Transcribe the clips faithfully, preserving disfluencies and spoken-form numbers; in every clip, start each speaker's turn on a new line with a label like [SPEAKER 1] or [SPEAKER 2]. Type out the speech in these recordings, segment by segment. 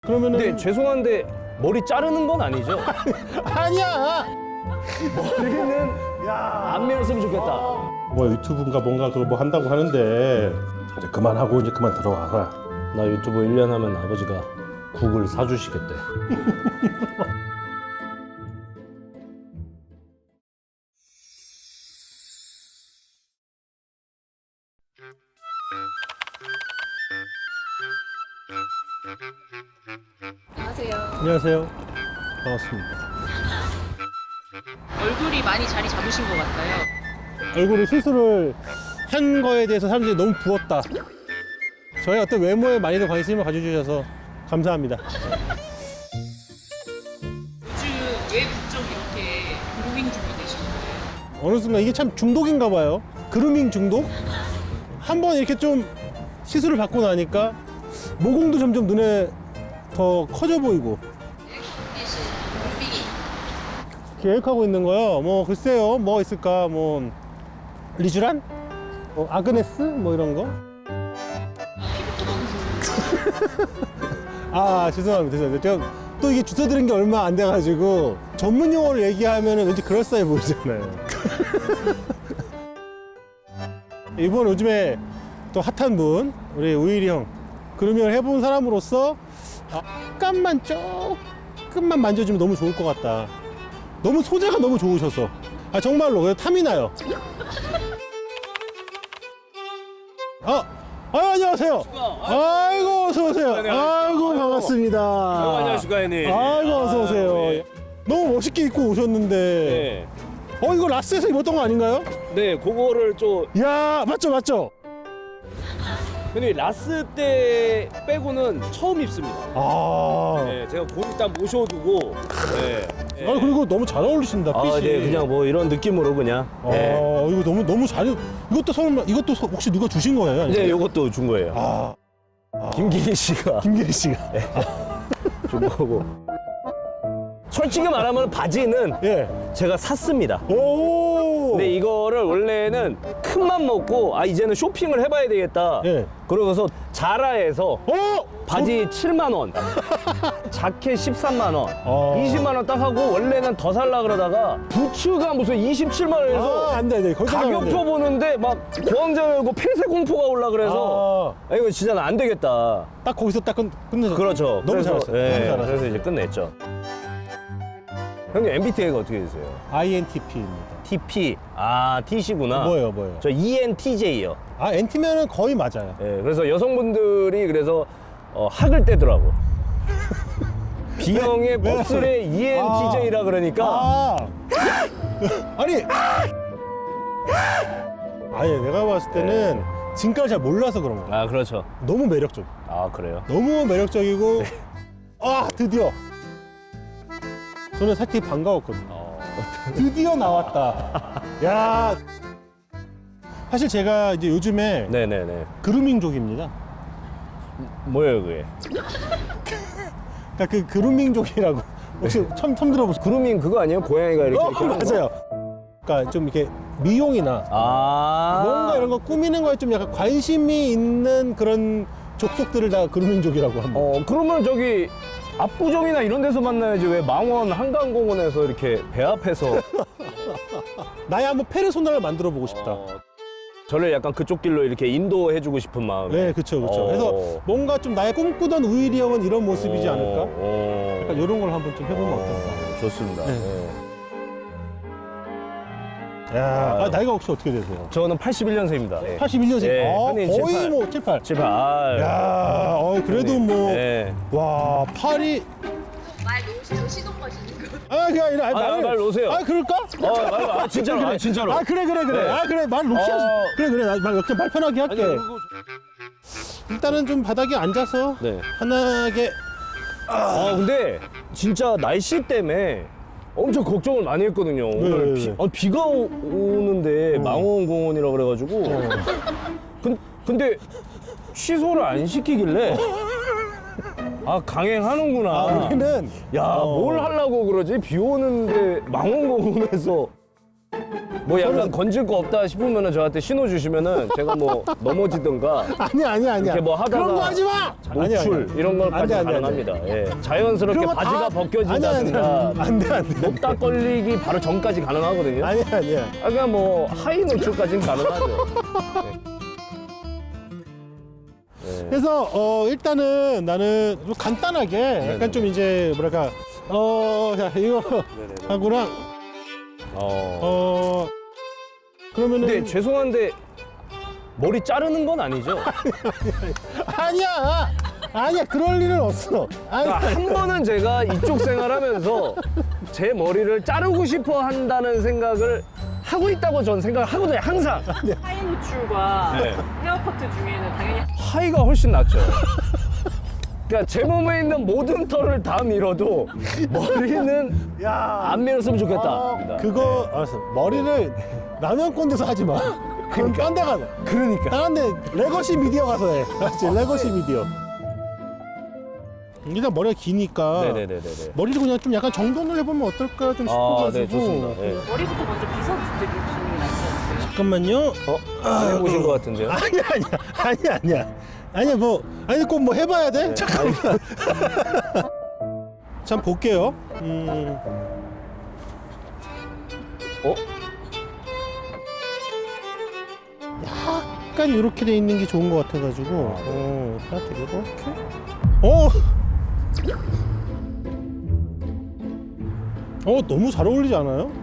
[SPEAKER 1] 그러면은
[SPEAKER 2] 근데 죄송한데 머리 자르는 건 아니죠?
[SPEAKER 1] 아니야.
[SPEAKER 2] 머리는
[SPEAKER 1] 야.
[SPEAKER 2] 안 밀었으면 좋겠다.
[SPEAKER 1] 뭐 유튜브인가 뭔가 그거 뭐 한다고 하는데 이제 그만하고 이제 그만 들어와라.
[SPEAKER 2] 나 유튜브 일 년 하면 아버지가 국을 사주시겠대.
[SPEAKER 3] 안녕하세요.
[SPEAKER 1] 안녕하세요. 반갑습니다.
[SPEAKER 3] 얼굴이 많이 자리 잡으신 것 같아요.
[SPEAKER 1] 얼굴에 수술을 한 거에 대해서 사람들이 너무 부었다. 저의 어떤 외모에 많이들 관심을 가져주셔서 감사합니다.
[SPEAKER 3] 요즘 왜 부쩍 이렇게 그루밍 중이 되신 거예요?
[SPEAKER 1] 어느 순간 이게 참 중독인가 봐요. 그루밍 중독? 한번 이렇게 좀 시술을 받고 나니까 모공도 점점 눈에 더 커져 보이고 계획하고 있는 거요. 뭐 글쎄요, 뭐 있을까? 뭐 리쥬란, 뭐 아그네스, 뭐 이런 거. 아 죄송합니다, 죄송합니다. 제가 또 이게 주워 들은 게 얼마 안 돼가지고 전문 용어를 얘기하면 왠지 그럴싸해 보이잖아요. 이번 요즘에 또 핫한 분, 우리 우일이 형, 그루밍을 해본 사람으로서 약간만 조금만 만져주면 너무 좋을 것 같다. 너무 소재가 너무 좋으셔서 아 정말로 그냥 탐이 나요. 아, 아 안녕하세요. 아이고 어서 오세요. 아이고 반갑습니다.
[SPEAKER 2] 안녕하십니까 형님.
[SPEAKER 1] 아이고 어서 오세요. 너무 멋있게 입고 오셨는데.
[SPEAKER 2] 네.
[SPEAKER 1] 어 이거 라스에서 입었던 거 아닌가요?
[SPEAKER 2] 네, 그거를 좀
[SPEAKER 1] 야 맞죠 맞죠.
[SPEAKER 2] 형님 라스 때 빼고는 처음 입습니다.
[SPEAKER 1] 아.
[SPEAKER 2] 네, 제가 거기 딱 모셔두고. 네. 네.
[SPEAKER 1] 아 그리고 너무 잘 어울리신다.
[SPEAKER 2] 아,
[SPEAKER 1] 핏이.
[SPEAKER 2] 네, 그냥 뭐 이런 느낌으로 그냥.
[SPEAKER 1] 아
[SPEAKER 2] 네.
[SPEAKER 1] 이거 너무 너무 잘. 이것도 설마 이것도 서- 혹시 누가 주신 거예요? 아니면?
[SPEAKER 2] 네, 요것도 준 거예요.
[SPEAKER 1] 아
[SPEAKER 2] 김기희 씨가
[SPEAKER 1] 김기리 씨가.
[SPEAKER 2] 준 거고. 솔직히 말하면 바지는
[SPEAKER 1] 예.
[SPEAKER 2] 제가 샀습니다.
[SPEAKER 1] 오.
[SPEAKER 2] 근데 이거를 원래는 큰 맘 먹고 아 이제는 쇼핑을 해봐야 되겠다.
[SPEAKER 1] 예.
[SPEAKER 2] 그러고서 자라에서
[SPEAKER 1] 어.
[SPEAKER 2] 바지 칠만 원, 자켓 십삼만 원,
[SPEAKER 1] 어.
[SPEAKER 2] 이십만 원 딱 하고 원래는 더 살라 그러다가 부츠가 무슨 이십칠만 원에서
[SPEAKER 1] 아, 안 돼, 안 돼. 거기서 가면 안 돼.
[SPEAKER 2] 가격표 보는데 막 고황장 열고 폐쇄 공포가 올라 그래서 아, 이거 진짜 안 되겠다.
[SPEAKER 1] 딱 거기서 딱 끝, 끝내서.
[SPEAKER 2] 그렇죠.
[SPEAKER 1] 너무
[SPEAKER 2] 그래서,
[SPEAKER 1] 잘했어요.
[SPEAKER 2] 예,
[SPEAKER 1] 너무 잘했어요.
[SPEAKER 2] 그래서 이제 끝냈죠. 형님 엠비티아이가 어떻게 되세요?
[SPEAKER 1] 아이엔티피입니다.
[SPEAKER 2] 티피, 아 T시구나.
[SPEAKER 1] 뭐예요, 뭐예요?
[SPEAKER 2] 저 이엔티제이요.
[SPEAKER 1] 아, 엔티면은 거의 맞아요.
[SPEAKER 2] 예, 그래서 여성분들이 그래서 어, 학을 떼더라고. B형의
[SPEAKER 1] 왜?
[SPEAKER 2] 곱슬의 이엔티제이라 그러니까
[SPEAKER 1] 아. 아니. 아니, 내가 봤을 때는 지금까지 잘 몰라서 그런 거야.
[SPEAKER 2] 아 그렇죠.
[SPEAKER 1] 너무 매력적.
[SPEAKER 2] 아 그래요.
[SPEAKER 1] 너무 매력적이고. 아, 드디어. 저는 사실 반가웠거든요.
[SPEAKER 2] 어,
[SPEAKER 1] 드디어 나왔다. 야. 사실 제가 이제 요즘에
[SPEAKER 2] 네네네.
[SPEAKER 1] 그루밍족입니다.
[SPEAKER 2] 뭐예요 그게?
[SPEAKER 1] 그러니까 그 그루밍족이라고 혹시 처음 처음 들어보셨어요?
[SPEAKER 2] 그루밍 그거 아니에요? 고양이가 이렇게.
[SPEAKER 1] 어,
[SPEAKER 2] 이렇게 하는 거?
[SPEAKER 1] 맞아요. 그러니까 좀 이렇게 미용이나
[SPEAKER 2] 아.
[SPEAKER 1] 뭔가 이런 거 꾸미는 거에 좀 약간 관심이 있는 그런 족속들을 다 그루밍족이라고 합니다.
[SPEAKER 2] 어 그러면 저기 압구정이나 이런 데서 만나야지 왜 망원 한강공원에서 이렇게 배 앞에서
[SPEAKER 1] 나의 한번 페르소나를 만들어 보고 싶다.
[SPEAKER 2] 어, 저를 약간 그쪽 길로 이렇게 인도해주고 싶은 마음.
[SPEAKER 1] 네, 그렇죠, 그렇죠.
[SPEAKER 2] 어.
[SPEAKER 1] 그래서 뭔가 좀 나의 꿈꾸던 우일이 형은 이런 모습이지 않을까?
[SPEAKER 2] 어.
[SPEAKER 1] 약간 이런 걸 한번 좀 해보면 어떨까?
[SPEAKER 2] 어, 좋습니다.
[SPEAKER 1] 네.
[SPEAKER 2] 네.
[SPEAKER 1] 야,
[SPEAKER 2] 아유.
[SPEAKER 1] 아, 나이가 혹시 어떻게 되세요?
[SPEAKER 2] 저는 팔십일 년생입니다. 네.
[SPEAKER 1] 팔십일 년생.
[SPEAKER 2] 네,
[SPEAKER 1] 아,
[SPEAKER 2] 형님
[SPEAKER 1] 거의
[SPEAKER 2] 칠십팔.
[SPEAKER 1] 뭐 칠, 팔.
[SPEAKER 2] 칠팔. 아,
[SPEAKER 1] 야, 어, 그래도
[SPEAKER 2] 형님.
[SPEAKER 1] 뭐,
[SPEAKER 2] 네.
[SPEAKER 1] 와, 팔이.
[SPEAKER 3] 말 놓으시죠? 시동 거시는 거.
[SPEAKER 1] 아, 그게 아니라, 아니,
[SPEAKER 2] 아,
[SPEAKER 1] 말을-
[SPEAKER 2] 말 놓으세요.
[SPEAKER 1] 아, 그럴까?
[SPEAKER 2] 어, 말, 아, 진짜로. 아, 진짜로.
[SPEAKER 1] 아, 그래, 그래, 그래.
[SPEAKER 2] 네.
[SPEAKER 1] 아, 그래, 말 놓지 않
[SPEAKER 2] 어.
[SPEAKER 1] 그래, 그래. 나 말, 그냥 말 편하게 할게.
[SPEAKER 2] 아니, 그거-
[SPEAKER 1] 일단은 좀 바닥에 앉아서
[SPEAKER 2] 네.
[SPEAKER 1] 편하게.
[SPEAKER 2] 아, 근데 진짜 날씨 때문에 엄청 걱정을 많이 했거든요. 오늘
[SPEAKER 1] 네,
[SPEAKER 2] 비,
[SPEAKER 1] 네.
[SPEAKER 2] 아, 비가 오, 오는데 망원공원이라 그래가지고. 근, 근데 취소를 안 시키길래 아 강행하는구나.
[SPEAKER 1] 아, 우리는.
[SPEAKER 2] 야,
[SPEAKER 1] 어.
[SPEAKER 2] 뭘 하려고 그러지? 비 오는데 망원공원에서 뭐 약간
[SPEAKER 1] 저는-
[SPEAKER 2] 건질 거 없다 싶으면은 저한테 신호 주시면은 제가 뭐 넘어지든가
[SPEAKER 1] 아니야 아니야 아니야.
[SPEAKER 2] 이렇게 뭐 하다가
[SPEAKER 1] 그런 거 하지 마.
[SPEAKER 2] 노출 이런 걸까지
[SPEAKER 1] 안 돼, 안 돼, 안 돼.
[SPEAKER 2] 가능합니다. 예. 자연스럽게
[SPEAKER 1] 그런 거 다-
[SPEAKER 2] 바지가 벗겨진다든가
[SPEAKER 1] 안돼 안돼.
[SPEAKER 2] 높다 걸리기 바로 전까지 가능하거든요.
[SPEAKER 1] 아니야 아니야.
[SPEAKER 2] 아, 그냥 뭐 하이 노출까지는 가능하죠. 네.
[SPEAKER 1] 그래서 어 일단은 나는 좀 간단하게 약간 좀 이제 뭐랄까 어 자, 이거 하고랑
[SPEAKER 2] 어.
[SPEAKER 1] 어 그러면은
[SPEAKER 2] 근데 죄송한데 머리 자르는 건 아니죠?
[SPEAKER 1] 아니야 아니야 그럴 일은 없어. 아니
[SPEAKER 2] 그러니까 한 번은 제가 이쪽 생활하면서 제 머리를 자르고 싶어 한다는 생각을 하고 있다고 전 생각을 하거든요, 항상.
[SPEAKER 3] 하이 노출과
[SPEAKER 2] 네.
[SPEAKER 3] 헤어커트 중에는 당연히
[SPEAKER 2] 하이가 훨씬 낫죠. 그러니까 제 몸에 있는 모든 털을 다 밀어도 머리는
[SPEAKER 1] 야
[SPEAKER 2] 안 밀었으면 좋겠다.
[SPEAKER 1] 어, 그거 알았어. 머리를 라면 꼰대서 하지 마. 그럼 딴 데 가서.
[SPEAKER 2] 그러니까.
[SPEAKER 1] 다른 데 레거시 미디어 가서 해. 알았지? 레거시 미디어. 일단 머리가 기니까
[SPEAKER 2] 네네네네.
[SPEAKER 1] 머리를 그냥 좀 약간 정돈을 해보면 어떨까 좀
[SPEAKER 2] 아,
[SPEAKER 1] 싶어가지고.
[SPEAKER 2] 네, 좋습니다. 네.
[SPEAKER 3] 머리부터 먼저 빗어드리시는 게 낫지 않을까요?
[SPEAKER 1] 잠깐만요.
[SPEAKER 2] 어? 안 해보신 것 같은데요?
[SPEAKER 1] 아니야 아니야 아니야 아니야. 아니야 뭐 아니 꼭 뭐 해봐야 돼?
[SPEAKER 2] 네.
[SPEAKER 1] 잠깐만. 참 볼게요. 음.
[SPEAKER 2] 어?
[SPEAKER 1] 약간 이렇게 돼 있는 게 좋은 것 같아가지고 어, 살짝 이렇게 어! 어 너무 잘 어울리지 않아요?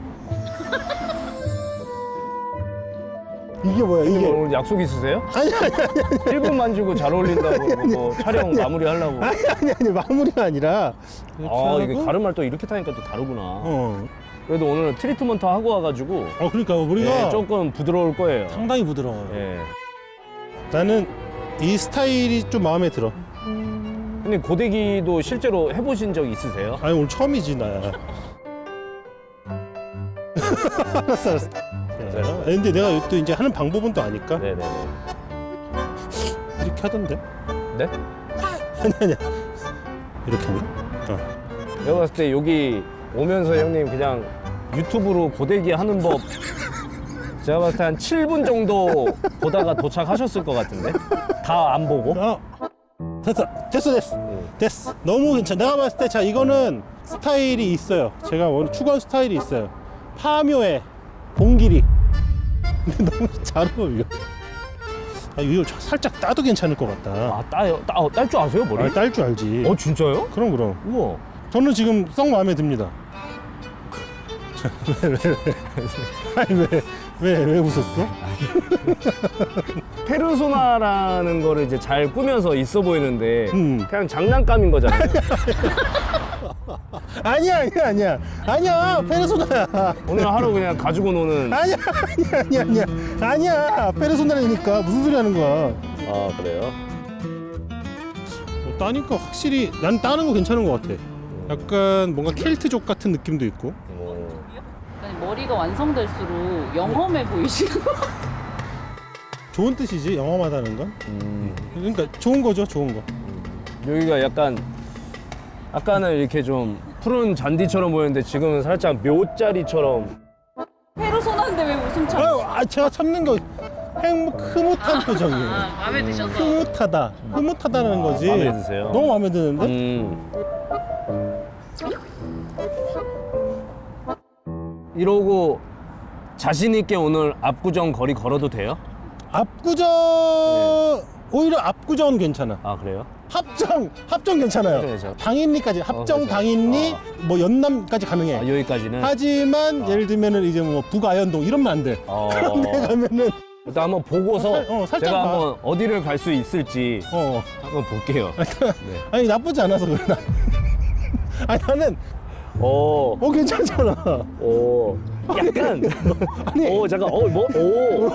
[SPEAKER 1] 이게 뭐야
[SPEAKER 2] 형님
[SPEAKER 1] 이게
[SPEAKER 2] 오늘 약속 있으세요?
[SPEAKER 1] 아니 아니 아니
[SPEAKER 2] 일 분만 주고 잘 어울린다고 뭐 촬영 마무리 하려고.
[SPEAKER 1] 아니 아니 아니 마무리가 아니라 이렇게
[SPEAKER 2] 아,
[SPEAKER 1] 하고,
[SPEAKER 2] 이게 가르마를 또 이렇게 타니까 또 다르구나.
[SPEAKER 1] 어,
[SPEAKER 2] 그래도 오늘은 트리트먼트 하고 와가지고
[SPEAKER 1] 어 그러니까 우리가
[SPEAKER 2] 네, 조금 부드러울 거예요.
[SPEAKER 1] 상당히 부드러워요.
[SPEAKER 2] 예.
[SPEAKER 1] 나는 이 스타일이 좀 마음에 들어.
[SPEAKER 2] 형님 고데기도 실제로 해보신 적 있으세요?
[SPEAKER 1] 아니 오늘 처음이지 나야. 알았어 알았어. 자, 아니, 근데 내가 또 이제 하는 방법은 또 아니까
[SPEAKER 2] 네네네.
[SPEAKER 1] 이렇게 하던데.
[SPEAKER 2] 네?
[SPEAKER 1] 아니 아니야. 이렇게 하나? 어.
[SPEAKER 2] 내가 봤을 때 여기 오면서 형님 그냥 유튜브로 고데기 하는 법 제가 봤을 때 한 칠 분 정도 보다가 도착하셨을 것 같은데? 다 안 보고?
[SPEAKER 1] 어. 됐어 됐어 됐어 됐어. 너무 괜찮아. 내가 봤을 때 자 이거는 스타일이 있어요. 제가 원래 추구한 스타일이 있어요. 파묘의 봉길이. 근데 너무 잘 어울려. 아 이거 살짝 따도 괜찮을 것 같다.
[SPEAKER 2] 아, 따요? 따, 어, 딸 줄 아세요, 머리?
[SPEAKER 1] 아, 딸 줄 알지.
[SPEAKER 2] 어, 진짜요?
[SPEAKER 1] 그럼 그럼.
[SPEAKER 2] 우와.
[SPEAKER 1] 저는 지금 썩 마음에 듭니다. 왜, 왜, 왜. 아니, 왜, 왜, 왜 웃었어?
[SPEAKER 2] 페르소나라는 거를 이제 잘 꾸며서 있어 보이는데
[SPEAKER 1] 음.
[SPEAKER 2] 그냥 장난감인 거잖아요.
[SPEAKER 1] 아니야, 아니야, 아니야. 아니야, 페르소나야.
[SPEAKER 2] 오늘 하루 그냥 가지고 노는.
[SPEAKER 1] 아니야, 아니야, 아니야, 아니야. 아니야, 페르소나라니까. 무슨 소리 하는 거야.
[SPEAKER 2] 아, 그래요?
[SPEAKER 1] 뭐, 따니까 확실히, 난 따는 거 괜찮은 것 같아. 약간 뭔가 켈트족 같은 느낌도 있고.
[SPEAKER 2] 어.
[SPEAKER 3] 아니, 머리가 완성될수록 영험해 보이시는 거.
[SPEAKER 1] 좋은 뜻이지, 영험하다는 건.
[SPEAKER 2] 음.
[SPEAKER 1] 그러니까 좋은 거죠, 좋은 거.
[SPEAKER 2] 여기가 약간 아까는 이렇게 좀 푸른 잔디처럼 보였는데 지금은 살짝 묘자리처럼.
[SPEAKER 3] 페르소나인데 왜 웃음 참?
[SPEAKER 1] 아유, 아, 제가 참는 거 행복, 흐뭇한 표정이에요.
[SPEAKER 3] 아, 마음에 드셔서.
[SPEAKER 1] 흐뭇하다. 흐뭇하다는 거지.
[SPEAKER 2] 마음에 드세요?
[SPEAKER 1] 너무 마음에 드는데?
[SPEAKER 2] 음. 이러고 자신 있게 오늘 압구정 거리 걸어도 돼요?
[SPEAKER 1] 압구정 오히려 압구정은 괜찮아.
[SPEAKER 2] 아, 그래요?
[SPEAKER 1] 합정 합정 괜찮아요.
[SPEAKER 2] 합정 괜찮아.
[SPEAKER 1] 당인리까지 합정
[SPEAKER 2] 그렇죠.
[SPEAKER 1] 당인리 뭐 연남까지 가능해.
[SPEAKER 2] 아, 여기까지는.
[SPEAKER 1] 하지만
[SPEAKER 2] 어.
[SPEAKER 1] 예를 들면은 이제 뭐 북아현동 이러면 안 돼.
[SPEAKER 2] 어.
[SPEAKER 1] 그런 데 가면은
[SPEAKER 2] 일단 한번 보고서
[SPEAKER 1] 살- 어, 살짝
[SPEAKER 2] 제가
[SPEAKER 1] 봐.
[SPEAKER 2] 한번 어디를 갈 수 있을지
[SPEAKER 1] 어
[SPEAKER 2] 한번 볼게요. 네.
[SPEAKER 1] 아니 나쁘지 않아서 그래. 나. 아니 나는
[SPEAKER 2] 오,
[SPEAKER 1] 어 괜찮잖아.
[SPEAKER 2] 오, 약간.
[SPEAKER 1] 아니
[SPEAKER 2] 오, 잠깐, 어, 뭐, 오.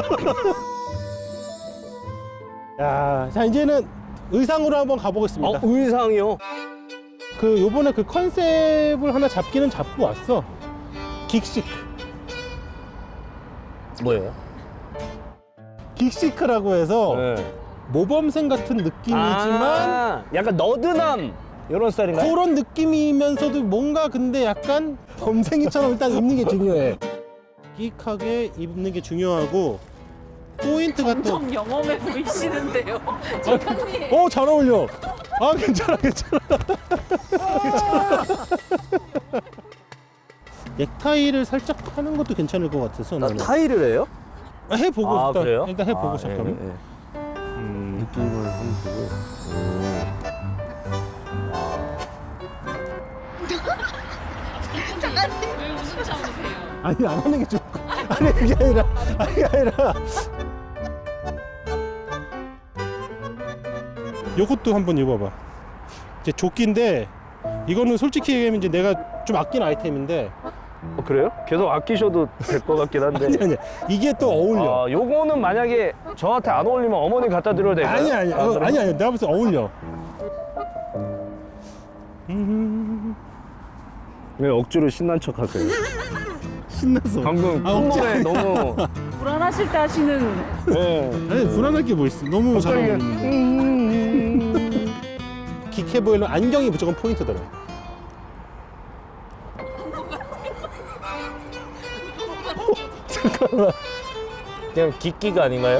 [SPEAKER 1] 야, 자 이제는 의상으로 한번 가보겠습니다.
[SPEAKER 2] 어, 의상이요?
[SPEAKER 1] 그 요번에 그 컨셉을 하나 잡기는 잡고 왔어. 긱시크.
[SPEAKER 2] 뭐예요?
[SPEAKER 1] 긱시크라고 해서
[SPEAKER 2] 네.
[SPEAKER 1] 모범생 같은 느낌이지만
[SPEAKER 2] 아, 약간 너드남 이런 스타일인가요?
[SPEAKER 1] 그런 느낌이면서도 뭔가 근데 약간 범생이처럼 일단 입는 게 중요해. 여기하게 입는 게 중요하고 포인트가 또
[SPEAKER 3] 좀 영험해 보이시는데요. 작가님.
[SPEAKER 1] 어, 잘 어울려. 아, 괜찮아, 괜찮아. 괜찮아. 넥타이를 살짝 하는 것도 괜찮을 것 같아서
[SPEAKER 2] 나
[SPEAKER 1] 나는.
[SPEAKER 2] 타일을 해요?
[SPEAKER 1] 아, 해보고
[SPEAKER 2] 아,
[SPEAKER 1] 일단,
[SPEAKER 2] 그래요?
[SPEAKER 1] 일단 해보고
[SPEAKER 2] 아,
[SPEAKER 1] 잠깐.
[SPEAKER 2] 예, 예, 예. 음, 느낌을 한번 보고. 음.
[SPEAKER 3] 왜 웃음 참으세요?
[SPEAKER 1] 아니, 안 하는 게 좋을 것 같아. 아니, 그게 아니라, 아니, 그게 아니라. 요것도 한번 입어봐. 이제 조끼인데, 이거는 솔직히 얘기하면 이제 내가 좀 아낀 아이템인데,
[SPEAKER 2] 어, 그래요? 계속 아끼셔도 될 것 같긴 한데.
[SPEAKER 1] 아니, 아니, 이게 또 어울려.
[SPEAKER 2] 아, 요거는 만약에 저한테 안 어울리면 어머니 갖다 드려도 될까요?
[SPEAKER 1] 아니, 아니,
[SPEAKER 2] 아,
[SPEAKER 1] 어,
[SPEAKER 2] 그래요?
[SPEAKER 1] 아니, 아니, 내가 봤을 때 어울려. 음,
[SPEAKER 2] 왜 억지로 신난 척 하세요?
[SPEAKER 1] 신나서.
[SPEAKER 2] 방금
[SPEAKER 1] 아, 억지
[SPEAKER 2] 콧노래 너무.
[SPEAKER 3] 불안하실 때 하시는
[SPEAKER 2] 네.
[SPEAKER 1] 아니, 불안할 게 뭐 있어. 너무 잘
[SPEAKER 2] 갑자기
[SPEAKER 1] 어울리는데.
[SPEAKER 2] 음.
[SPEAKER 1] 기캐 보이는 안경이 무조건 포인트더라.
[SPEAKER 2] 그냥 기끼가 아닌가요?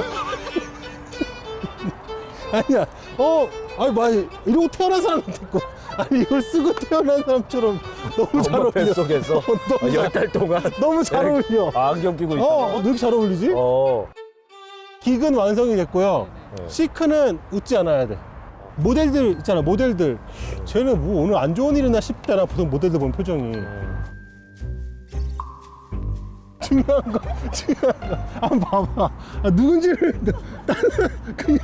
[SPEAKER 1] 아니야. 어, 아니, 많이 이러고 태어난 사람 같았고. 아니, 이걸 쓰고 태어난 사람처럼 너무 잘
[SPEAKER 2] 엄마
[SPEAKER 1] 어울려.
[SPEAKER 2] 뱃속에서
[SPEAKER 1] 너무 잘-
[SPEAKER 2] 열 달 동안
[SPEAKER 1] 너무 잘 어울려.
[SPEAKER 2] 아, 안경 끼고 있다.
[SPEAKER 1] 어, 왜 이렇게 잘 어울리지?
[SPEAKER 2] 어.
[SPEAKER 1] 긱은 완성이 됐고요.
[SPEAKER 2] 네.
[SPEAKER 1] 시크는 웃지 않아야 돼. 모델들 있잖아, 모델들. 쟤는 뭐 오늘 안 좋은 일이나 싶잖아, 보통 모델들 보는 표정이. 중요한 거, 중요한 거. 한번 봐봐. 아, 누군지를 나는 그냥.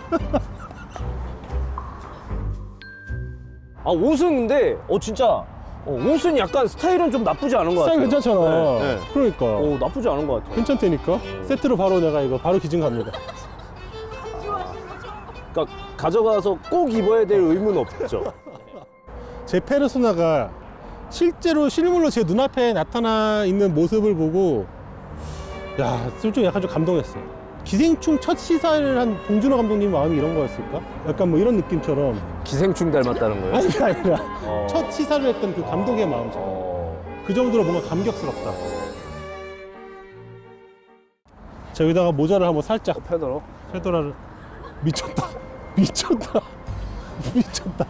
[SPEAKER 2] 아, 옷은 근데 어 진짜 어, 옷은 약간 스타일은 좀 나쁘지 않은 것
[SPEAKER 1] 스타일
[SPEAKER 2] 같아요.
[SPEAKER 1] 괜찮잖아.
[SPEAKER 2] 네, 네.
[SPEAKER 1] 그러니까.
[SPEAKER 2] 어, 나쁘지 않은 것 같아요.
[SPEAKER 1] 괜찮다니까. 세트로 바로 내가 이거 바로 기증 갑니다.
[SPEAKER 2] 그러니까 가져가서 꼭 입어야 될 의무는 없죠.
[SPEAKER 1] 제 페르소나가 실제로 실물로 제 눈앞에 나타나 있는 모습을 보고 야, 솔직히 약간 좀 감동했어요. 기생충 첫 시사를 한 봉준호 감독님 마음이 이런 거였을까? 약간 뭐 이런 느낌처럼.
[SPEAKER 2] 기생충 닮았다는 거예요?
[SPEAKER 1] 아니, 그게 아니라
[SPEAKER 2] 어.
[SPEAKER 1] 첫 시사를 했던 그 감독의 마음처럼.
[SPEAKER 2] 어.
[SPEAKER 1] 그 정도로 뭔가 감격스럽다. 자, 여기다가 모자를 한번 살짝
[SPEAKER 2] 페더러.
[SPEAKER 1] 페도라를. 미쳤다. 미쳤다. 미쳤다.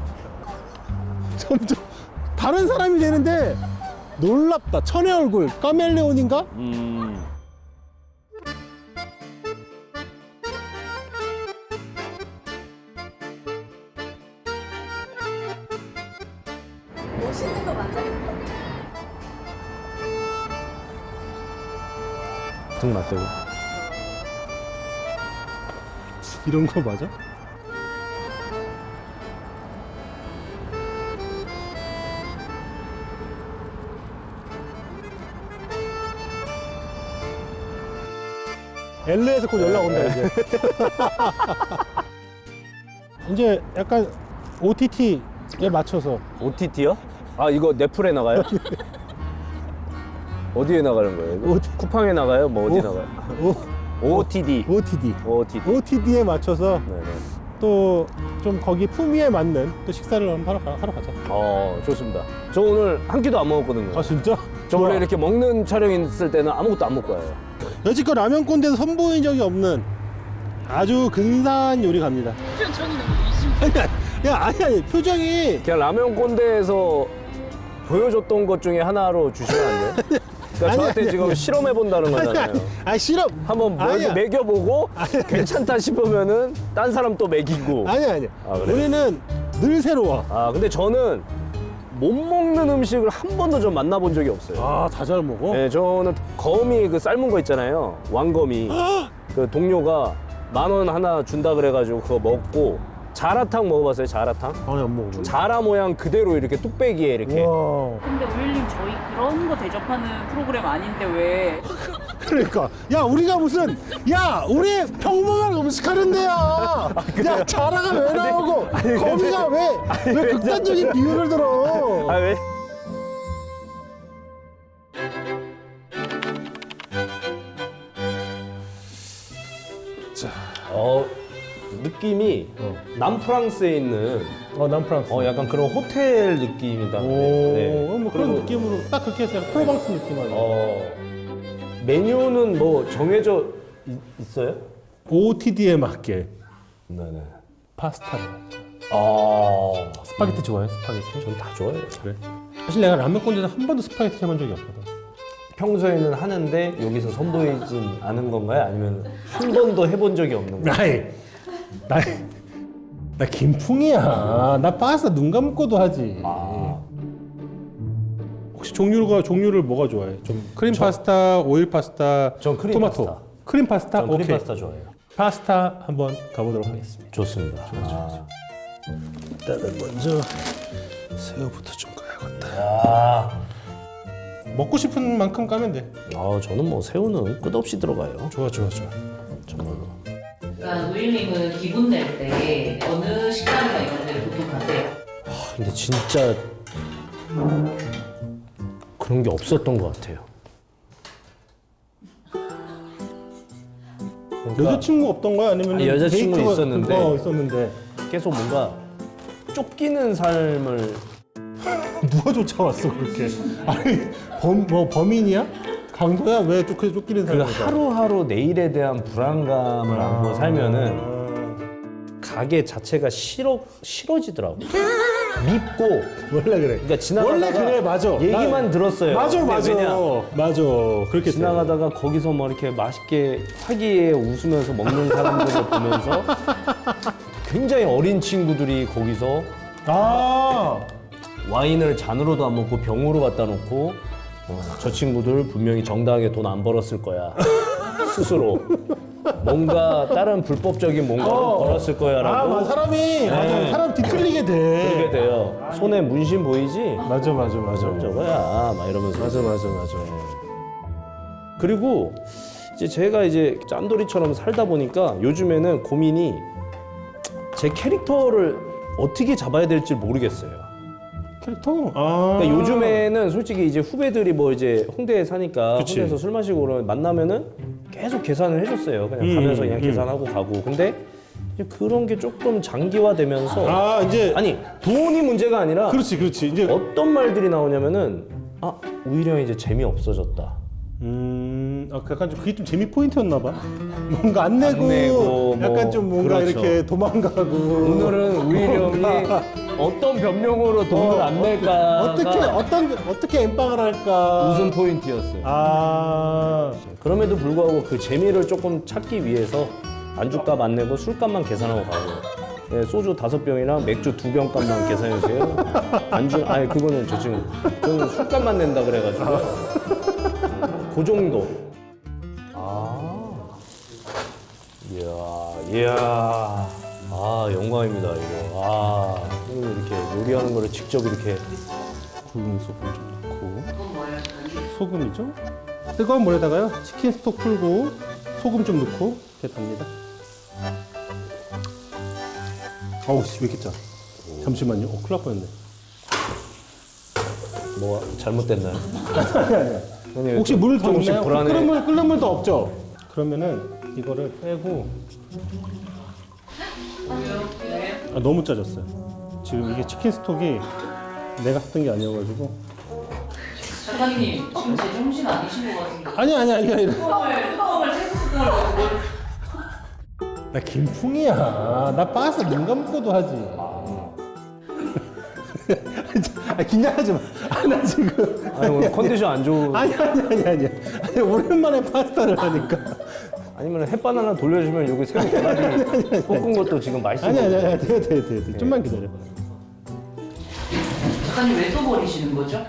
[SPEAKER 1] 점점 다른 사람이 되는데 놀랍다. 천의 얼굴 카멜레온인가?
[SPEAKER 2] 음.
[SPEAKER 4] 멋있는 거 맞아요?
[SPEAKER 2] 등 맞대고.
[SPEAKER 1] 이런 거 맞아? 엘에이에서 곧 연락 온다 이제. 이제 약간 오티티에 맞춰서
[SPEAKER 2] 오티티요? 아, 이거 넷플에 나가요? 어디에 나가는 거예요? 이거?
[SPEAKER 1] 오티-
[SPEAKER 2] 쿠팡에 나가요? 뭐 어디
[SPEAKER 1] 오-
[SPEAKER 2] 나가요?
[SPEAKER 1] 오,
[SPEAKER 2] 오티디.
[SPEAKER 1] 오티디.
[SPEAKER 2] 오티디.
[SPEAKER 1] 오티디에 맞춰서
[SPEAKER 2] 네네.
[SPEAKER 1] 또 좀 거기 품위에 맞는 또 식사를 한번 하러, 가- 하러 가자.
[SPEAKER 2] 어, 좋습니다. 저 오늘 한 끼도 안 먹었거든요.
[SPEAKER 1] 아, 진짜?
[SPEAKER 2] 저
[SPEAKER 1] 좋아.
[SPEAKER 2] 원래 이렇게 먹는 촬영 있을 때는 아무것도 안 먹고 와요.
[SPEAKER 1] 여지껏 라면 꼰대에서 선보인 적이 없는 아주 근사한 요리 갑니다.
[SPEAKER 3] 표정이 너무 의심.
[SPEAKER 1] 야, 아니 아니 표정이
[SPEAKER 2] 그냥 라면 꼰대에서 보여줬던 것 중에 하나로 주시면 안 돼요? 그러니까
[SPEAKER 1] 아니,
[SPEAKER 2] 저한테
[SPEAKER 1] 아니,
[SPEAKER 2] 지금
[SPEAKER 1] 아니.
[SPEAKER 2] 실험해 본다는
[SPEAKER 1] 아니
[SPEAKER 2] 거잖아요.
[SPEAKER 1] 아니 아니 싫어.
[SPEAKER 2] 한번
[SPEAKER 1] 아니야.
[SPEAKER 2] 뭐 먹여보고 괜찮다 싶으면은 딴 사람 또 먹이고.
[SPEAKER 1] 아니 아니.
[SPEAKER 2] 아, 그래요?
[SPEAKER 1] 우리는 늘 새로워.
[SPEAKER 2] 아, 근데 저는 못 먹는 음식을 한 번도 좀 만나본 적이 없어요.
[SPEAKER 1] 아, 다 잘 먹어.
[SPEAKER 2] 네, 저는 거미 그 삶은 거 있잖아요. 왕거미. 그 동료가 만 원 하나 준다 그래가지고 그거 먹고 자라탕 먹어봤어요? 자라탕?
[SPEAKER 1] 아니 안 먹어.
[SPEAKER 2] 자라 모양 그대로 이렇게 뚝배기에 이렇게.
[SPEAKER 1] 와.
[SPEAKER 3] 근데 오일님 저희 그런 거 대접하는 프로그램 아닌데 왜?
[SPEAKER 1] 그러니까 야 우리가 무슨 야 우리 평범한 음식 하는데야. 야 자라가 왜 나오고 거미가 왜 왜 극단적인 비유를 들어?
[SPEAKER 2] 아, 왜?
[SPEAKER 1] 자,
[SPEAKER 2] 어, 느낌이
[SPEAKER 1] 어.
[SPEAKER 2] 남프랑스에 있는
[SPEAKER 1] 어 남프랑스.
[SPEAKER 2] 어, 약간 그런 호텔 느낌이다.
[SPEAKER 1] 오,
[SPEAKER 2] 네.
[SPEAKER 1] 뭐 그런
[SPEAKER 2] 그리고,
[SPEAKER 1] 느낌으로 딱 그렇게 해서 프로방스 느낌 아니야.
[SPEAKER 2] 어, 메뉴는 뭐 정해져 있, 있어요?
[SPEAKER 1] 오오티디에 맞게
[SPEAKER 2] 네네.
[SPEAKER 1] 파스타를.
[SPEAKER 2] 아,
[SPEAKER 1] 스파게티 좋아해? 스파게티?
[SPEAKER 2] 전 다 좋아해요.
[SPEAKER 1] 그래. 사실 내가 라면권에서 한 번도 스파게티 해본 적이 없거든.
[SPEAKER 2] 평소에는 하는데 여기서 선보이진 않은 건가요? 아니면 한 번도 해본 적이 없는 건가요?
[SPEAKER 1] 나이 나이 나 김풍이야. 나 파스타 눈 감고도 하지.
[SPEAKER 2] 아,
[SPEAKER 1] 혹시 종류가 종류를 뭐가 좋아해? 좀 크림 파스타, 오일 파스타,
[SPEAKER 2] 전 크림
[SPEAKER 1] 토마토.
[SPEAKER 2] 파스타.
[SPEAKER 1] 크림 파스타?
[SPEAKER 2] 전 크림
[SPEAKER 1] 오케이.
[SPEAKER 2] 파스타 좋아해요.
[SPEAKER 1] 파스타 한번 가보도록 하겠습니다.
[SPEAKER 2] 좋습니다. 아,
[SPEAKER 1] 일단은 먼저 새우부터 좀 까야겠다.
[SPEAKER 2] 아,
[SPEAKER 1] 먹고 싶은 만큼 까면 돼.
[SPEAKER 2] 아, 저는 뭐 새우는 끝없이 들어가요.
[SPEAKER 1] 좋아 좋아 좋아.
[SPEAKER 2] 정말로.
[SPEAKER 3] 그러니까 우일님은 기분 낼 때 어느 식당이나 이런 데를 보통 가세요?
[SPEAKER 2] 아, 근데 진짜 그런 게 없었던 것 같아요. 그러니까
[SPEAKER 1] 여자친구 없던 거야? 아니면
[SPEAKER 2] 아, 여자친구
[SPEAKER 1] 데이트가-
[SPEAKER 2] 있었는데.
[SPEAKER 1] 어, 있었는데
[SPEAKER 2] 계속 뭔가 쫓기는 삶을
[SPEAKER 1] 누가 쫓아왔어 그렇게? 아니 범 뭐 범인이야? 강도야? 왜 쫓기 쫓기는
[SPEAKER 2] 그
[SPEAKER 1] 사람이야?
[SPEAKER 2] 하루하루 내일에 대한 불안감을 안고 살면은 가게 자체가 싫어 싫어지더라고. 밉고.
[SPEAKER 1] 원래 그래.
[SPEAKER 2] 그러니까 지나가다가
[SPEAKER 1] 원래 그래 맞아.
[SPEAKER 2] 얘기만
[SPEAKER 1] 나-
[SPEAKER 2] 들었어요.
[SPEAKER 1] 맞아
[SPEAKER 2] 근데
[SPEAKER 1] 맞아
[SPEAKER 2] 왜냐?
[SPEAKER 1] 맞아 그렇게 돼.
[SPEAKER 2] 지나가다가 거기서 뭐 이렇게 맛있게 화기에 웃으면서 먹는 사람들을 보면서 굉장히 어린 친구들이 거기서
[SPEAKER 1] 아
[SPEAKER 2] 와인을 잔으로도 안 먹고 병으로 갖다 놓고 어, 저 친구들 분명히 정당하게 돈 안 벌었을 거야. 스스로 뭔가 다른 불법적인 뭔가를
[SPEAKER 1] 어.
[SPEAKER 2] 벌었을 거야라고
[SPEAKER 1] 아, 맞아. 사람이 맞아. 사람 뒤틀리게 돼.
[SPEAKER 2] 그렇게 돼요. 손에 문신 보이지?
[SPEAKER 1] 맞아 맞아 맞아.
[SPEAKER 2] 저거야 막 이러면서
[SPEAKER 1] 맞아 맞아 맞아.
[SPEAKER 2] 그리고 이제 제가 이제 짠돌이처럼 살다 보니까 요즘에는 고민이 제 캐릭터를 어떻게 잡아야 될지 모르겠어요.
[SPEAKER 1] 캐릭터? 아.
[SPEAKER 2] 그러니까 요즘에는 솔직히 이제 후배들이 뭐 이제 홍대에 사니까
[SPEAKER 1] 그치.
[SPEAKER 2] 홍대에서 술 마시고 그러면 만나면은 계속 계산을 해줬어요. 그냥
[SPEAKER 1] 음,
[SPEAKER 2] 가면서 그냥
[SPEAKER 1] 음.
[SPEAKER 2] 계산하고 가고. 근데 이제 그런 게 조금 장기화되면서
[SPEAKER 1] 아 이제
[SPEAKER 2] 아니 돈이 문제가 아니라
[SPEAKER 1] 그렇지 그렇지 이제
[SPEAKER 2] 어떤 말들이 나오냐면은 아 오히려 이제 재미 없어졌다.
[SPEAKER 1] 음, 아, 약간 좀 그게 좀 재미 포인트였나 봐. 뭔가 안 내고,
[SPEAKER 2] 안 내고,
[SPEAKER 1] 약간
[SPEAKER 2] 뭐,
[SPEAKER 1] 좀 뭔가
[SPEAKER 2] 그렇죠.
[SPEAKER 1] 이렇게 도망가고.
[SPEAKER 2] 오늘은 우일이 형이 어떤 변명으로 돈을 안 낼까
[SPEAKER 1] 어떻게 어떤 어떻게 엠빵을 할까?
[SPEAKER 2] 웃음 포인트였어요.
[SPEAKER 1] 아,
[SPEAKER 2] 그럼에도 불구하고 그 재미를 조금 찾기 위해서 안주값 안 내고 술값만 계산하고 가고 네, 소주 다섯 병이랑 맥주 두 병 값만 계산해 주세요. 안주 아니 그거는 저 지금 저는 술값만 낸다 그래가지고 그 정도. 아, 이야, 이야, 아 영광입니다 이거. 아 형님 이렇게 요리하는 거를 직접 이렇게
[SPEAKER 1] 굵은 소금 좀 넣고.
[SPEAKER 3] 그건 뭐예요?
[SPEAKER 1] 소금이죠? 뜨거운 물에다가요 치킨 스톡 풀고 소금 좀 넣고 이렇게 답니다. 어우 씨 왜 이렇게 짜? 잠시만요. 어 큰일 날 뻔했네.
[SPEAKER 2] 뭐가 잘못됐나요?
[SPEAKER 1] 아니 아니.
[SPEAKER 2] 형님,
[SPEAKER 1] 혹시 물 더
[SPEAKER 2] 조금씩
[SPEAKER 1] 없나요?
[SPEAKER 2] 불안해.
[SPEAKER 1] 끓는 물 끓는 물도 없죠? 그러면은 이거를 빼고. 아, 너무 짜졌어요. 지금 이게 치킨 스톡이 내가 했던 게 아니어가지고.
[SPEAKER 3] 작가님 지금 제정신 아니신 것 같은데
[SPEAKER 1] 아니 아니 아니 아니.
[SPEAKER 3] 뚜껑을 뚜껑을 세수뚜껑을 뭘
[SPEAKER 1] 나 김풍이야. 나 파스타 눈 감고도 하지. 아, 긴장하지 마. 아, 나 지금.
[SPEAKER 2] 아니 오늘 컨디션 안 좋은
[SPEAKER 1] 아니 아니 아니 아니. 아니 오랜만에 파스타를 하니까.
[SPEAKER 2] 아니면 햇반 하나 돌려주면 여기 새우 대가리 볶은 것도 지금 맛있어.
[SPEAKER 1] 아니 아니 아니. 돼 돼 돼 돼. 좀만 기다려.
[SPEAKER 3] 작가님 왜 또 버리시는 거죠?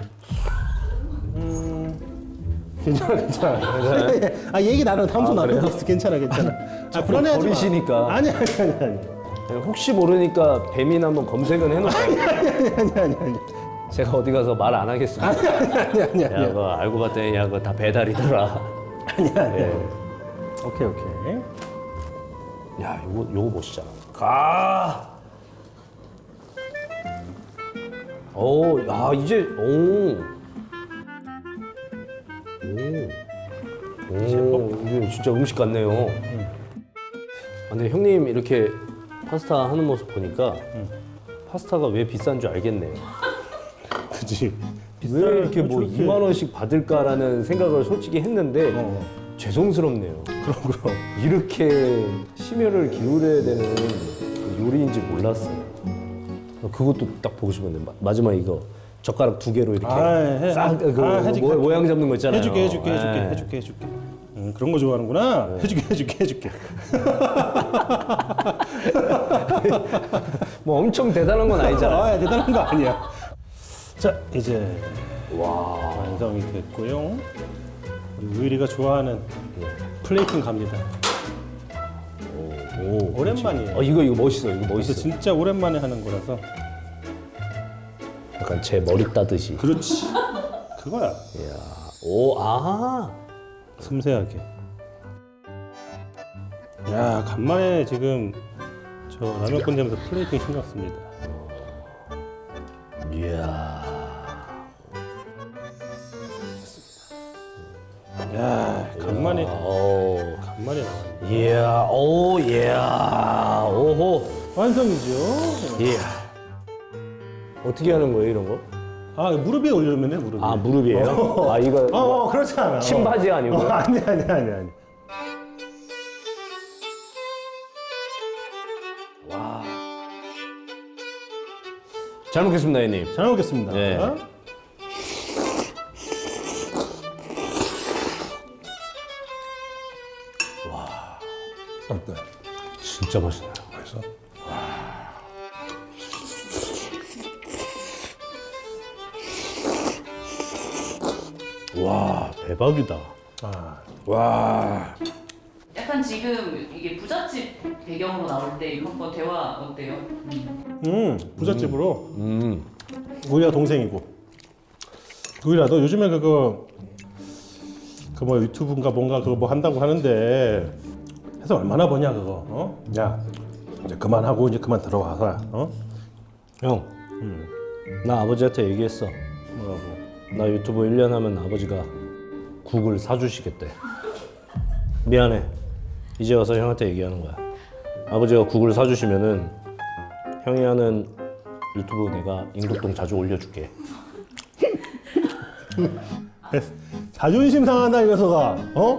[SPEAKER 1] 괜찮아 괜찮아. 아 얘기 나는 다음 번
[SPEAKER 2] 아,
[SPEAKER 1] 나누고
[SPEAKER 2] 그래요?
[SPEAKER 1] 있어. 괜찮아 괜찮아. 아
[SPEAKER 2] 자꾸
[SPEAKER 1] 불안해하지 마.
[SPEAKER 2] 버리시니까.
[SPEAKER 1] 아니 아니 아니 아니.
[SPEAKER 2] 혹시 모르니까 배민 한번 검색은 해놓을게요.
[SPEAKER 1] 아니 아니 아니.
[SPEAKER 2] 제가 어디 가서 말 안 하겠습니다.
[SPEAKER 1] 아니 아니 아니
[SPEAKER 2] 야,
[SPEAKER 1] 아니.
[SPEAKER 2] 그거 알고 봤더니 야, 그거 다 배달이더라.
[SPEAKER 1] 아니 아니.
[SPEAKER 2] 예.
[SPEAKER 1] 오케이 오케이.
[SPEAKER 2] 야, 요거 요거 보시잖아. 가. 오, 야 이제 오. 오. 오, 이게 진짜 음식 같네요. 아, 근데 형님 이렇게 파스타 하는 모습 보니까 파스타가 왜 비싼 줄 알겠네요.
[SPEAKER 1] 그지. 비쌀
[SPEAKER 2] 왜 이렇게 뭐
[SPEAKER 1] 저렇게-
[SPEAKER 2] 이만 원씩 받을까라는 생각을 솔직히 했는데
[SPEAKER 1] 어.
[SPEAKER 2] 죄송스럽네요.
[SPEAKER 1] 그럼 그럼.
[SPEAKER 2] 이렇게 심혈을 기울여야 되는 요리인지 몰랐어요. 그것도 딱 보고 싶었는데 마- 마지막 이거 젓가락 두 개로 이렇게
[SPEAKER 1] 아, 해,
[SPEAKER 2] 싹 그
[SPEAKER 1] 아, 해줄게,
[SPEAKER 2] 모,
[SPEAKER 1] 해줄게.
[SPEAKER 2] 모양 잡는 거 있잖아요.
[SPEAKER 1] 해줄게 해줄게 해줄게
[SPEAKER 2] 예.
[SPEAKER 1] 해줄게 해줄게. 음, 그런 거 좋아하는구나. 해줄게 해줄게 해줄게.
[SPEAKER 2] 뭐 엄청 대단한 건 아니잖아요.
[SPEAKER 1] 아, 대단한 거 아니야. 자, 이제
[SPEAKER 2] 와.
[SPEAKER 1] 완성이 됐고요. 우리 우일이가 좋아하는 플레이팅 갑니다.
[SPEAKER 2] 오,
[SPEAKER 1] 오랜만이에요.
[SPEAKER 2] 어 이거 이거 멋있어. 이거
[SPEAKER 1] 그래서
[SPEAKER 2] 멋있어.
[SPEAKER 1] 진짜 오랜만에 하는 거라서.
[SPEAKER 2] 약간 제 머리 따듯이.
[SPEAKER 1] 그렇지. 그거야.
[SPEAKER 2] 이야. 오, 아.
[SPEAKER 1] 섬세하게. 야, 간만에 지금 저 라면 끓이면서 플레이팅 신경 씁니다.
[SPEAKER 2] 이야.
[SPEAKER 1] 야, 간만에
[SPEAKER 2] 오.
[SPEAKER 1] 간만에 나왔네.
[SPEAKER 2] 이야. 오, 이야. 오호.
[SPEAKER 1] 완성이죠.
[SPEAKER 2] 이야. 어떻게 하는 거예요, 이런 거?
[SPEAKER 1] 아, 무릎 위에 올려면 돼, 무릎 위에.
[SPEAKER 2] 아, 무릎이에요? 아, 이거
[SPEAKER 1] 어, 어, 그렇지 않아.
[SPEAKER 2] 신바지
[SPEAKER 1] 어,
[SPEAKER 2] 아니고요?
[SPEAKER 1] 아니, 아니, 아니, 아니.
[SPEAKER 2] 와. 잘 먹겠습니다, 형님.
[SPEAKER 1] 잘 먹겠습니다.
[SPEAKER 2] 네.
[SPEAKER 1] 어때?
[SPEAKER 2] 진짜 맛있네요.
[SPEAKER 1] 맛있어?
[SPEAKER 2] 와, 대박이다.
[SPEAKER 1] 아,
[SPEAKER 2] 와.
[SPEAKER 3] 약간 지금 이게 부잣집 배경으로 나올 때 이거 한번 대화 어때요? 음.
[SPEAKER 1] 음, 부잣집으로.
[SPEAKER 2] 음.
[SPEAKER 1] 우리가 동생이고. 우리라 너 요즘에 그거 그 뭐 유튜브인가 뭔가 그거 뭐 한다고 하는데 해서 얼마나 버냐 그거? 어? 야, 이제 그만하고 이제 그만 들어와서 어?
[SPEAKER 2] 형. 나 아버지한테 얘기했어.
[SPEAKER 1] 뭐라고?
[SPEAKER 2] 나 유튜브 일 년 하면 아버지가 국을 사주시겠대. 미안해. 이제 와서 형한테 얘기하는 거야. 아버지가 국을 사주시면은 형이 하는 유튜브 내가 인국동 자주 올려줄게.
[SPEAKER 1] 자존심 상한다 이 녀석아. 어?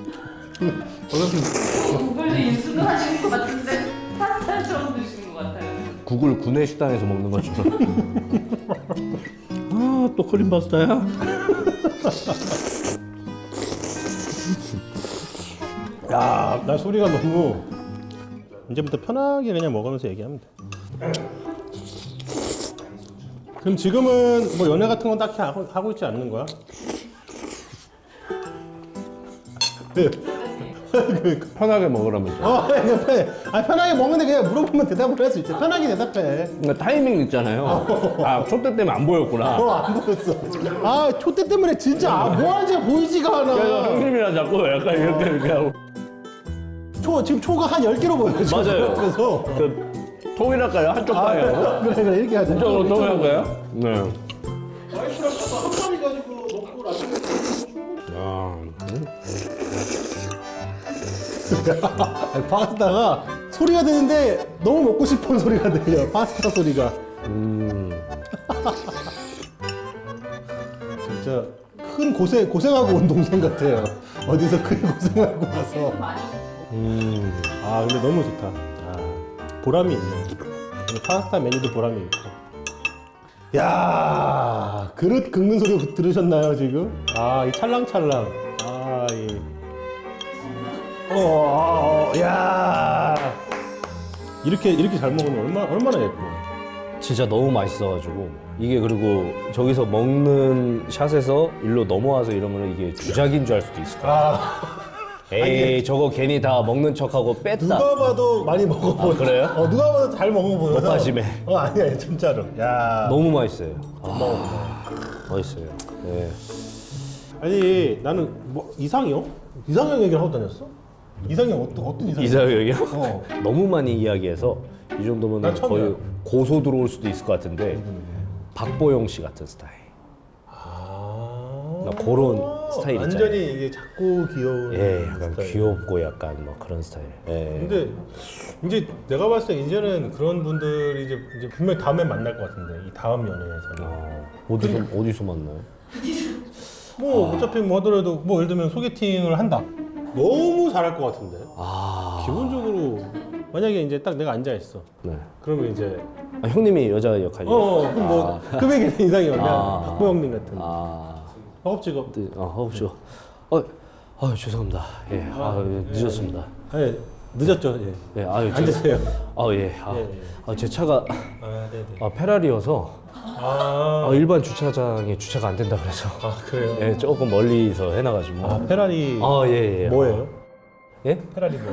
[SPEAKER 3] 구글도 인수도 하시는 것 같은데 파스타처럼 드시는 것 같아요.
[SPEAKER 2] 국을 구내 식당에서 먹는 것처럼. 아, 또 크림 파스타야?
[SPEAKER 1] 야, 나 소리가 너무 이제부터 편하게 그냥 먹으면서 얘기하면 돼. 그럼 지금은 뭐 연애 같은 건 딱히 하고, 하고 있지 않는 거야? 네. 그,
[SPEAKER 2] 편하게 먹으라면서.
[SPEAKER 1] 어, 그냥 편해. 아, 편하게 먹는데 그냥 물어보면 대답을 할 수 있지. 편하게 대답해.
[SPEAKER 2] 그러니까 타이밍 있잖아요. 아, 촛대 때문에 안 보였구나.
[SPEAKER 1] 어, 안 보였어. 아, 촛대 때문에 진짜 아, 뭐 하는지 보이지가
[SPEAKER 2] 그래서
[SPEAKER 1] 않아.
[SPEAKER 2] 형님이랑 자꾸 약간 이렇게 이렇게 하고.
[SPEAKER 1] 초, 지금 초가 한 열 개로 보여. 지금.
[SPEAKER 2] 맞아요.
[SPEAKER 1] 그래서.
[SPEAKER 2] 그 통일할까요? 한쪽 방향으로?
[SPEAKER 1] 그래, 그래, 이렇게 하자.
[SPEAKER 2] 이쪽으로 통일할까요? 네.
[SPEAKER 1] 와이프랑 한 마리 가지고 먹고 나중에
[SPEAKER 2] 아,
[SPEAKER 1] 파스타가 소리가 드는데 너무 먹고 싶은 소리가 들려. 파스타 소리가.
[SPEAKER 2] 음.
[SPEAKER 1] 진짜 큰 고생 고생하고 온 동생 같아요. 어디서 큰 고생하고 와서.
[SPEAKER 3] 많이
[SPEAKER 2] 음.
[SPEAKER 1] 아 근데 너무 좋다. 아, 보람이 있네. 오늘 파스타 메뉴도 보람이 있고. 야 그릇 긁는 소리 들으셨나요 지금? 아이 찰랑찰랑. 아 이. 어, 어, 어, 야 이렇게 이렇게 잘 먹으면 얼마 얼마나 예뻐.
[SPEAKER 2] 진짜 너무 맛있어가지고 이게 그리고 저기서 먹는 샷에서 일로 넘어와서 이러면 이게 주작인 줄 알 수도 있을 거야.
[SPEAKER 1] 아
[SPEAKER 2] 에이 저거 괜히 다 먹는 척하고 뺐다.
[SPEAKER 1] 누가 봐도 많이 먹어보여.
[SPEAKER 2] 아, 그래요?
[SPEAKER 1] 어 누가 봐도 잘 먹어보여서.
[SPEAKER 2] 먹바심에.
[SPEAKER 1] 어 아니야 진짜로. 야
[SPEAKER 2] 너무 맛있어요. 아, 맛있어요. 네.
[SPEAKER 1] 아니 나는 뭐 이상형? 이상형 얘기를 하고 다녔어? 이상형 어떤 어떤 이상형?
[SPEAKER 2] 이사형이요?
[SPEAKER 1] 어.
[SPEAKER 2] 너무 많이 이야기해서 이 정도면
[SPEAKER 1] 난 처음이야.
[SPEAKER 2] 거의 고소 들어올 수도 있을 것 같은데 박보영 씨 같은 스타일.
[SPEAKER 1] 아.
[SPEAKER 2] 나 그런 스타일 있잖아요.
[SPEAKER 1] 완전히 이게 작고 귀여운.
[SPEAKER 2] 예, 약간
[SPEAKER 1] 스타일.
[SPEAKER 2] 귀엽고 약간 뭐 그런 스타일. 예.
[SPEAKER 1] 근데 이제 내가 봤을 때 이제는 그런 분들이 이제, 이제 분명 히 다음에 만날 것 같은데 이 다음 연애에서는
[SPEAKER 2] 어, 어디서 어디서 만나요?
[SPEAKER 1] 뭐 어차피 뭐 하더라도 뭐 예를 들면 소개팅을 한다. 너무 잘할 것 같은데.
[SPEAKER 2] 아,
[SPEAKER 1] 기본적으로 만약에 이제 딱 내가 앉아 있어.
[SPEAKER 2] 네.
[SPEAKER 1] 그러면 이제
[SPEAKER 2] 아, 형님이 여자 역할이요?
[SPEAKER 1] 어, 어 그럼 뭐 금액이 이상이 그냥
[SPEAKER 2] 아.
[SPEAKER 1] 박보 형님 같은.
[SPEAKER 2] 아,
[SPEAKER 1] 허겁지겁.
[SPEAKER 2] 네, 아, 허겁죠. 어, 아, 죄송합니다. 예, 아, 늦었습니다.
[SPEAKER 1] 아니 늦었죠. 예.
[SPEAKER 2] 예, 아유, 제-
[SPEAKER 1] 앉으세요.
[SPEAKER 2] 아, 예, 아,
[SPEAKER 1] 예, 예.
[SPEAKER 2] 아, 제 차가
[SPEAKER 1] 아 네네.
[SPEAKER 2] 아, 페라리여서
[SPEAKER 1] 아,
[SPEAKER 2] 아, 일반 주차장에 주차가 안 된다 그래서
[SPEAKER 1] 아 그래요.
[SPEAKER 2] 예, 조금 멀리서 해놔가지고.
[SPEAKER 1] 아 페라리
[SPEAKER 2] 아, 예, 예.
[SPEAKER 1] 뭐예요?
[SPEAKER 2] 예?
[SPEAKER 1] 페라리 뭐?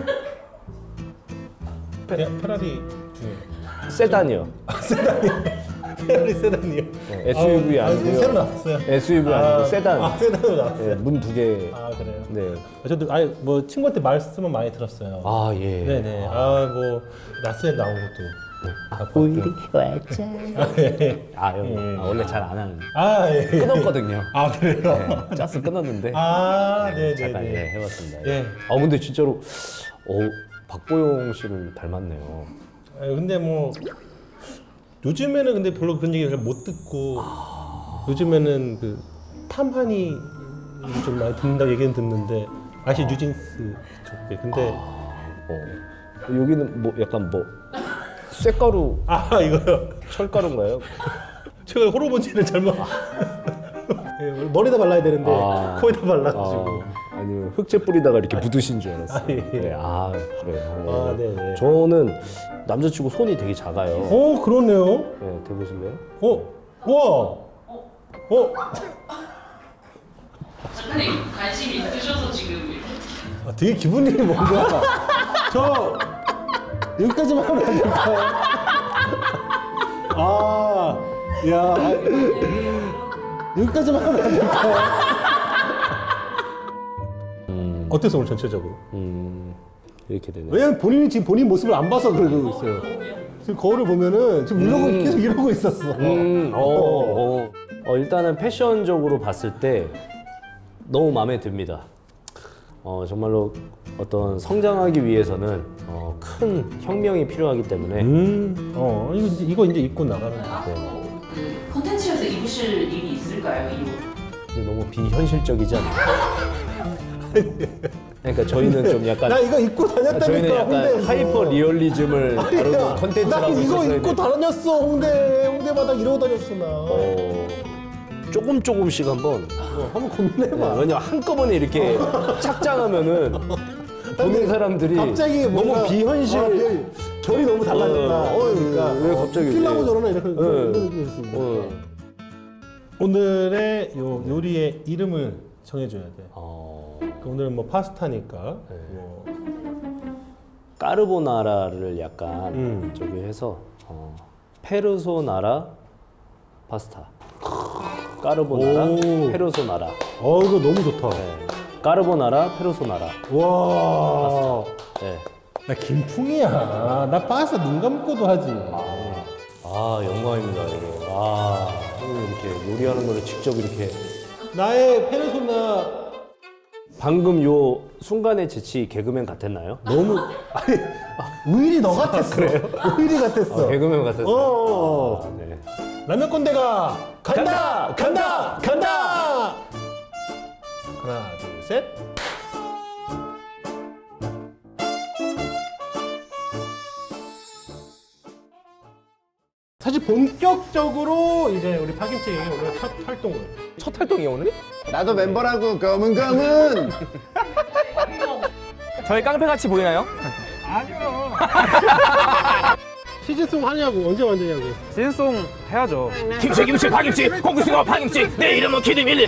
[SPEAKER 1] 페, 페라리 중에
[SPEAKER 2] 세단이요.
[SPEAKER 1] 페라리 세단이요.
[SPEAKER 2] 네, 에스유브이
[SPEAKER 1] 아,
[SPEAKER 2] 아니고요.
[SPEAKER 1] 새로 나왔어요.
[SPEAKER 2] 에스유브이 아니고 세단.
[SPEAKER 1] 아 세단으로 나왔어요.
[SPEAKER 2] 예, 문 두 개.
[SPEAKER 1] 아 그래요.
[SPEAKER 2] 네.
[SPEAKER 1] 저도 아예 뭐 친구한테 말씀은 많이 들었어요.
[SPEAKER 2] 아, 예.
[SPEAKER 1] 네네. 아 뭐 나스에 나온 것도. 아,
[SPEAKER 2] 우리
[SPEAKER 1] 왔죠. 아, 예.
[SPEAKER 2] 아, 형.
[SPEAKER 1] 예.
[SPEAKER 2] 아, 원래 잘 안 하는.
[SPEAKER 1] 아 예.
[SPEAKER 2] 끊었거든요.
[SPEAKER 1] 아 그래요.
[SPEAKER 2] 네, 짜스 끊었는데.
[SPEAKER 1] 아 네네네.
[SPEAKER 2] 잠깐 예, 해봤습니다. 예.
[SPEAKER 1] 예.
[SPEAKER 2] 아, 근데 진짜로 어, 박보영 씨를 닮았네요.
[SPEAKER 1] 아, 근데 뭐 요즘에는 근데 별로 그런 얘기를 못 듣고 요즘에는 그 탐하니 좀 많이 듣는다고 얘기는 듣는데 아시 뉴진스 쪽에 근데
[SPEAKER 2] 어. 여기는 뭐 약간 뭐 쇳가루,
[SPEAKER 1] 아, 이거요
[SPEAKER 2] 철가루인가요?
[SPEAKER 1] 제가 호르몬제를 잘못 예, 머리다 발라야 되는데
[SPEAKER 2] 아.
[SPEAKER 1] 코에다 발라가지고
[SPEAKER 2] 아, 아니요 흑채 뿌리다가 이렇게 묻으신 줄 알았어요.
[SPEAKER 1] 아, 예.
[SPEAKER 2] 네, 아 그래요.
[SPEAKER 1] 아, 네네.
[SPEAKER 2] 저는 남자치고 손이 되게 작아요.
[SPEAKER 1] 어 그러네요
[SPEAKER 2] 네, 대보실래요?
[SPEAKER 1] 어 와 어?
[SPEAKER 3] 작가님 관심이 있으셔서 지금 이렇게
[SPEAKER 1] 아, 되게 기분이 뭔가 저 여기까지만 하면 안 될까요? 아, 야, 아, 여기까지만 하면 안 될까요?
[SPEAKER 2] 음,
[SPEAKER 1] 어땠어 오늘 전체적으로?
[SPEAKER 2] 음 이렇게 되네.
[SPEAKER 1] 왜냐면 본인이 지금 본인 모습을 안 봐서 그러고 있어요. 지금 거울을 보면은 지금 이러고
[SPEAKER 2] 음.
[SPEAKER 1] 계속 이러고 있었어.
[SPEAKER 2] 음, 어, 어. 어, 일단은 패션적으로 봤을 때 너무 마음에 듭니다. 어, 정말로 어떤 성장하기 위해서는 어, 큰 혁명이 필요하기 때문에
[SPEAKER 1] 음, 어, 이거 이제, 이거 이제 입고 나가는 거.
[SPEAKER 2] 네.
[SPEAKER 3] 그 컨텐츠에서 입으실 일이 있을까요? 이 옷?
[SPEAKER 2] 근데 너무 비현실적이지 않나요? 그러니까 저희는 좀 약간
[SPEAKER 1] 나 이거 입고 다녔다니까
[SPEAKER 2] 저희는 약간
[SPEAKER 1] 홍대에서.
[SPEAKER 2] 하이퍼 리얼리즘을 다루는
[SPEAKER 1] 난
[SPEAKER 2] 컨텐츠라고
[SPEAKER 1] 이거
[SPEAKER 2] 있었어야
[SPEAKER 1] 입고
[SPEAKER 2] 돼.
[SPEAKER 1] 다녔어 홍대 홍대마다 이러고 다녔어 나.
[SPEAKER 2] 어, 조금 조금씩 한번
[SPEAKER 1] 어, 한번 고민해봐.
[SPEAKER 2] 네, 왜냐면 한꺼번에 이렇게 착장하면은 보는 사람들이
[SPEAKER 1] 갑자기 뭔가
[SPEAKER 2] 너무 비현실.
[SPEAKER 1] 아, 비현- 결이 너무 달라진다.
[SPEAKER 2] 어,
[SPEAKER 1] 어, 그러니까
[SPEAKER 2] 왜 갑자기
[SPEAKER 1] 필라고
[SPEAKER 2] 왜-
[SPEAKER 1] 저러나 이렇게
[SPEAKER 2] 네.
[SPEAKER 1] 이런 느낌이 있습니다.
[SPEAKER 2] 어.
[SPEAKER 1] 오늘의 요 요리의 이름을 정해줘야 돼.
[SPEAKER 2] 어,
[SPEAKER 1] 그 오늘은 뭐 파스타니까.
[SPEAKER 2] 네.
[SPEAKER 1] 뭐
[SPEAKER 2] 까르보나라를 약간
[SPEAKER 1] 음.
[SPEAKER 2] 저기 해서 어, 페르소나라 파스타. 까르보나라
[SPEAKER 1] 오.
[SPEAKER 2] 페르소나라.
[SPEAKER 1] 어 이거 너무 좋다.
[SPEAKER 2] 네. 까르보나라 페르소나라.
[SPEAKER 1] 와.
[SPEAKER 2] 네.
[SPEAKER 1] 나 김풍이야. 나 파스타 눈 감고도 하지.
[SPEAKER 2] 아 영광입니다 이거. 아 형님 이렇게 요리하는 거를 직접 이렇게
[SPEAKER 1] 나의 페르소나
[SPEAKER 2] 방금 요 순간의 재치 개그맨 같았나요?
[SPEAKER 1] 너무 아니 우일이 너 같았어. 우일이 같았어.
[SPEAKER 2] 아, 개그맨 같았어요.
[SPEAKER 1] 어.
[SPEAKER 2] 아, 네.
[SPEAKER 1] 라면 꼰대가 간다 간다 간다. 하나 둘 셋. 사실 본격적으로 이제 우리 파김치 오늘 첫 활동을
[SPEAKER 4] 첫 활동이에요 오늘이?
[SPEAKER 5] 나도 멤버라고 검은 검은
[SPEAKER 4] 저희 깡패 같이 보이나요?
[SPEAKER 1] 시즌송 하냐고 언제 만드냐고.
[SPEAKER 4] 시즌송 해야죠.
[SPEAKER 6] 김치 김치 파김치 홍구수거 파김치 내 이름은 키드밀리.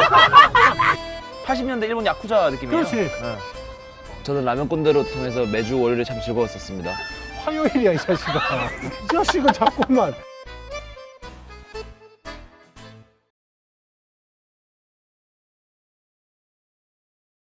[SPEAKER 4] 팔십 년대 일본 야쿠자 느낌이에요.
[SPEAKER 1] 그렇지.
[SPEAKER 7] 저는 라면 꼰대로 통해서 매주 월요일에 참 즐거웠었습니다.
[SPEAKER 1] 화요일이야 이 자식아. 이 자식은 자꾸만.